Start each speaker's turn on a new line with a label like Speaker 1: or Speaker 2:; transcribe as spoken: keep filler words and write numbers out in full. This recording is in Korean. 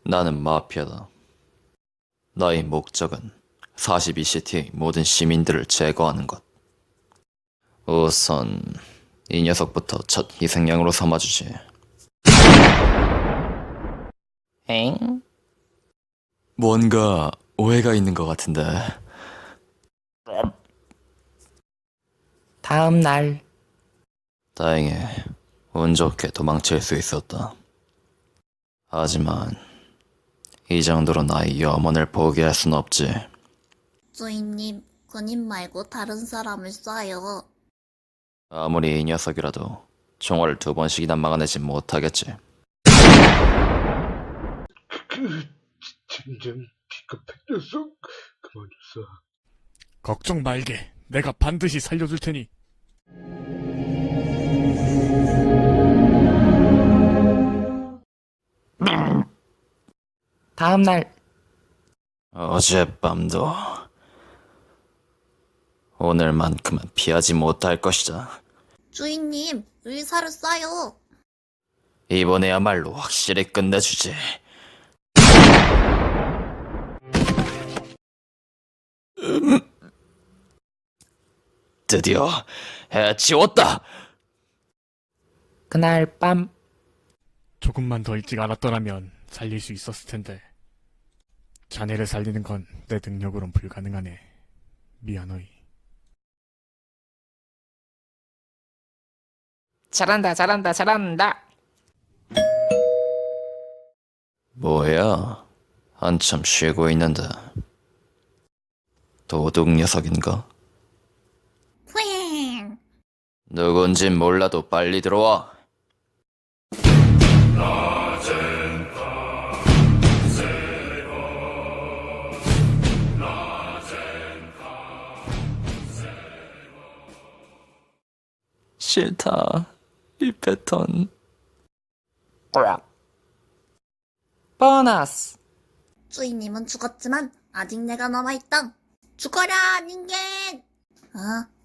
Speaker 1: 나는 마피아다. 나의 목적은 사십이 시티의 모든 시민들을 제거하는 것. 우선 이 녀석부터 첫 희생양으로 삼아주지. 엥? 뭔가 오해가 있는 것 같은데.
Speaker 2: 다음 날
Speaker 1: 다행히 운 좋게 도망칠 수 있었다. 하지만 이 정도로 나의 염원을 포기할 순 없지.
Speaker 3: 주인님, 그님 말고 다른 사람을 쏴요.
Speaker 1: 아무리 이 녀석이라도 총알을 두 번씩이나 막아내지 못하겠지.
Speaker 4: 그 젠장 비겁한 녀석 그만뒀어.
Speaker 5: 걱정 말게. 내가 반드시 살려줄 테니.
Speaker 2: 다음 날
Speaker 1: 어젯밤도 오늘만큼은 피하지 못할 것이다.
Speaker 3: 주인님, 의사를 쏴요.
Speaker 1: 이번에야말로 확실히 끝내주지. 음. 드디어 해치웠다.
Speaker 2: 그날 밤
Speaker 5: 조금만 더 일찍 알았더라면 살릴 수 있었을 텐데. 자네를 살리는 건 내 능력으론 불가능하네. 미안하이.
Speaker 2: 잘한다 잘한다 잘한다.
Speaker 1: 뭐야? 한참 쉬고 있는데. 도둑 녀석인가?
Speaker 3: 푸잉.
Speaker 1: 누군진 몰라도 빨리 들어와. 싫다. 이 패턴.
Speaker 2: 꼬락. 보너스.
Speaker 3: 주인님은 죽었지만 아직 내가 남아있다. 죽어라, 닌겐! 어?